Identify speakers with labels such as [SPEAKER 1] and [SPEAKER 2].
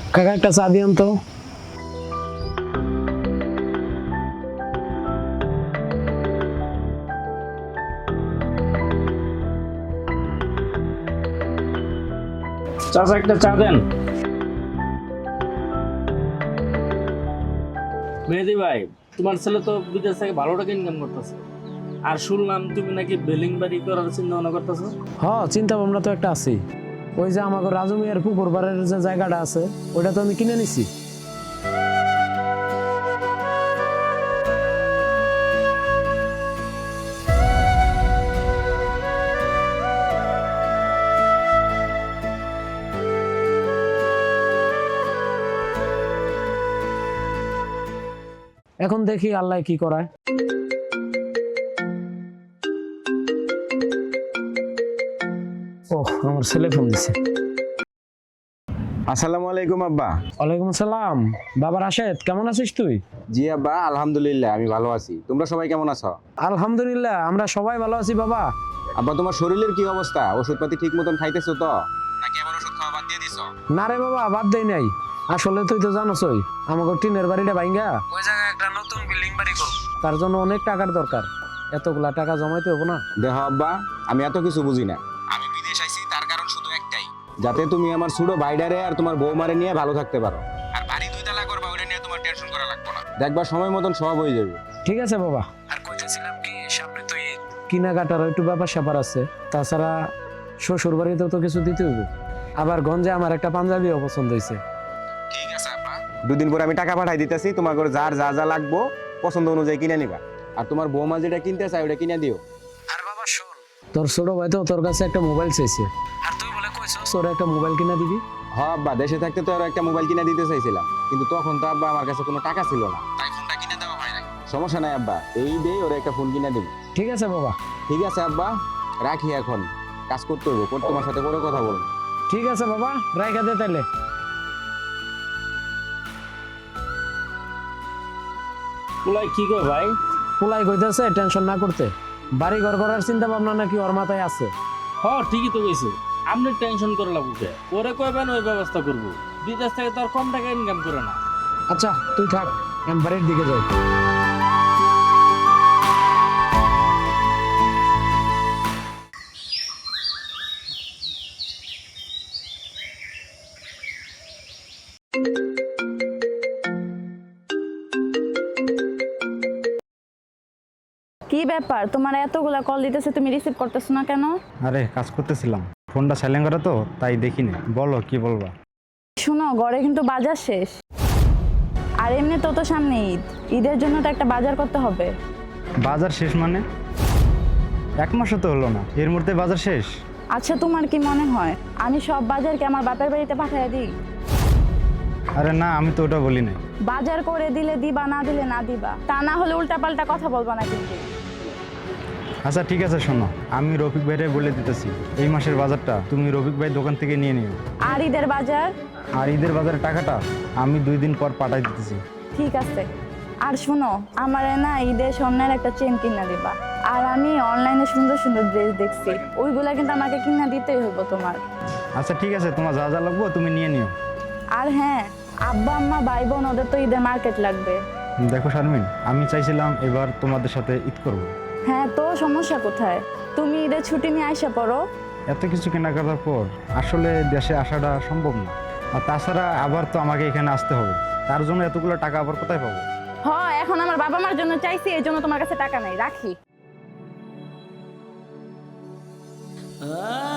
[SPEAKER 1] কাকা একটা চা দিয়ান তো।
[SPEAKER 2] চাচা একটা চা দেন। মেহেদি ভাই, তোমার ছেলে তো বিদেশ থেকে ভালো টাকা ইনকাম করতেছে, আর শুনলাম তুমি নাকি বিল্ডিং বাড়ি করার চিন্তা ভাবনা করতেছো।
[SPEAKER 1] চিন্তা ভাবনা তো একটা আছে। ওই যে আমাকে রাজু মিয়ার পুকুর পাড়ের যে জায়গাটা আছে ওইটা তো আমি কিনে নিছি। এখন দেখি আল্লাহ কি করায়। আমার ছেলে ফোন দিছে।
[SPEAKER 3] আসসালামু আলাইকুম আব্বা।
[SPEAKER 1] ওয়ালাইকুম সালাম। বাবা রাশেদ, কেমন আছিস তুই?
[SPEAKER 3] জি আব্বা, আলহামদুলিল্লাহ আমি ভালো আছি। তোমরা সবাই কেমন আছো?
[SPEAKER 1] আলহামদুলিল্লাহ আমরা সবাই ভালো আছি বাবা।
[SPEAKER 3] আব্বা, তোমার শরীরের কি অবস্থা? ওষুধপাতি ঠিক মতন খাইতেছো তো, নাকি আবার ওষুধ খাওয়া বাদ দিয়ে দিছো?
[SPEAKER 1] না রে বাবা, বাদ দেই নাই। আসলে তুই তো জানোসই আমাকে টিনের বাড়িটা ভাঙ্গা ওই জায়গায় একটা নতুন বিল্ডিং বাড়ি করব, তার জন্য অনেক টাকার দরকার। এতগুলা টাকা জমাইতে হবে না।
[SPEAKER 3] দেখো আব্বা, আমি এত কিছু বুঝি না। আমি বিদেশ আইছি তার কারণ শুধু একটাই, যাতে তুমি আমার ছোট ভাইডারে আর তোমার বৌমারে নিয়ে ভালো থাকতে পারো। আর বাড়ি দুইতলা করবা, ওইটা নিয়ে তোমার টেনশন করা লাগবে না। দেখবা সময় মতন সব হয়ে যাবে।
[SPEAKER 1] ঠিক আছে বাবা। আর কইতেছিলাম কি, সামনে তো ঈদ, কেনাকাটার একটু ব্যাপার স্যাপার আছে। তাছাড়া শ্বশুর বাড়িতেও তো কিছু দিতে হবে। আবার গঞ্জে আমার একটা পাঞ্জাবিও পছন্দ হয়েছে।
[SPEAKER 3] ঠিক আছে আব্বা, দুদিন পরে আমি টাকা পাঠাই দিতেছি, তোমার ঘরে যার যা যা লাগবো পছন্দ অনুযায়ী কিনে নিবা। আর তোমার বৌমা যেটা কিনতে চায় ওটা কিনে দিও।
[SPEAKER 1] আর বাবা শোন, তোর ছোট ভাই তো তোর কাছে একটা মোবাইল চাইছে, আর তুই বলে কইছস তোর একটা মোবাইল কিনে দিবি।
[SPEAKER 3] হ্যাঁ আব্বা, দেশে থাকতে তো আরো একটা মোবাইল কিনে দিতে চাইছিলাম, কিন্তু তখন তো আব্বা আমার কাছে কোনো টাকা ছিল না, তাই ফোনটা কিনে দেওয়া হয় নাই। সমস্যা নাই আব্বা, এই দিয়ে ওরা একটা ফোন কিনে দিবি।
[SPEAKER 1] ঠিক আছে বাবা।
[SPEAKER 3] ঠিক আছে আব্বা, রাখি এখন, কাজ করতে হইব, পর তোমার সাথে পরে কথা বলবো।
[SPEAKER 1] ঠিক আছে বাবা, রাইখা দে তাইলে।
[SPEAKER 2] পুলাই কি গো ভাই?
[SPEAKER 1] পোলাই কইতেছে টেনশন না করতে, বাড়ি ঘর করার চিন্তা ভাবনা নাকি ওর মাথায় আছে।
[SPEAKER 2] ঠিকই তো কইছে। আপনি টেনশন করে লাগবে, ওরে কইবেন ওই ব্যবস্থা করব। বিদেশ থেকে তো আর কম টাকা ইনকাম করে না।
[SPEAKER 1] আচ্ছা তুই থাক, আমি বাড়ির দিকে যাই।
[SPEAKER 4] কি ব্যাপার, তোমার এতগুলা কল দিতেছে, তুমি রিসিভ করতেছো না কেন?
[SPEAKER 5] আরে কাজ করতেছিলাম, ফোনটা সাইলেন্ট করা তো তাই দেখিনি। বলো কি বলবা?
[SPEAKER 4] শোনো, ঘরে কিন্তু বাজার শেষ, আর এমনি তো সামনে ঈদ, ঈদের জন্য তো একটা বাজার করতে হবে।
[SPEAKER 5] বাজার শেষ মানে? এক মাসও তো হলো না, এর মধ্যে বাজার শেষ?
[SPEAKER 4] আচ্ছা, তোমার কি মনে হয় আমি সব বাজারকে আমার বাপের বাড়িতে পাঠিয়ে দিই?
[SPEAKER 5] আরে না, আমি তো ওটা বলি নাই।
[SPEAKER 4] বাজার করে দিলে দিবা, না দিলে না দিবা, তা না হলে উল্টাপাল্টা কথা বলবা না কিন্তু।
[SPEAKER 5] আচ্ছা ঠিক আছে, শোনো, আমি রফিক ভাইরে বলে দিতেছি এই মাসের বাজারটা তুমি রফিক ভাই দোকান থেকে নিয়ে নিও।
[SPEAKER 4] আর ঈদের বাজার?
[SPEAKER 5] আর ঈদের বাজারের টাকাটা আমি 2 দিন পর পাঠাই দিতেছি।
[SPEAKER 4] ঠিক আছে। আর শোনো, আমারে না ঈদের স্বর্ণের একটা চেন কিনা দিবা। আর আমি অনলাইনে সুন্দর সুন্দর ড্রেস দেখছি, ওইগুলা কিন্তু আমাকে কিনা দিতেই হইব তোমার।
[SPEAKER 5] আচ্ছা ঠিক আছে, তোমার যা যা লাগবে তুমি নিয়ে নিও।
[SPEAKER 4] আর হ্যাঁ, আব্বা আম্মা ভাই বোন ওদের তো ঈদের মার্কেট লাগবে।
[SPEAKER 5] দেখো শারমিন, আমি চাইছিলাম এবার তোমাদের সাথে ঈদ করব।
[SPEAKER 4] হ্যাঁ, তো সমস্যা কোথায়? তুমি ঈদের ছুটি নিয়ে আইসা পড়ো।
[SPEAKER 5] এত কিছু কেনাকাটার পর আসলে দেশে আসাটা সম্ভব না। আর তাছাড়া আবার তো আমাকে এখানে আসতে হবে, তার জন্য এতগুলো টাকা আবার কোথায় পাবো?
[SPEAKER 4] হ্যাঁ, এখন আমার বাবা মার জন্য চাইছি, এই জন্য তোমার কাছে টাকা নাই, রাখি।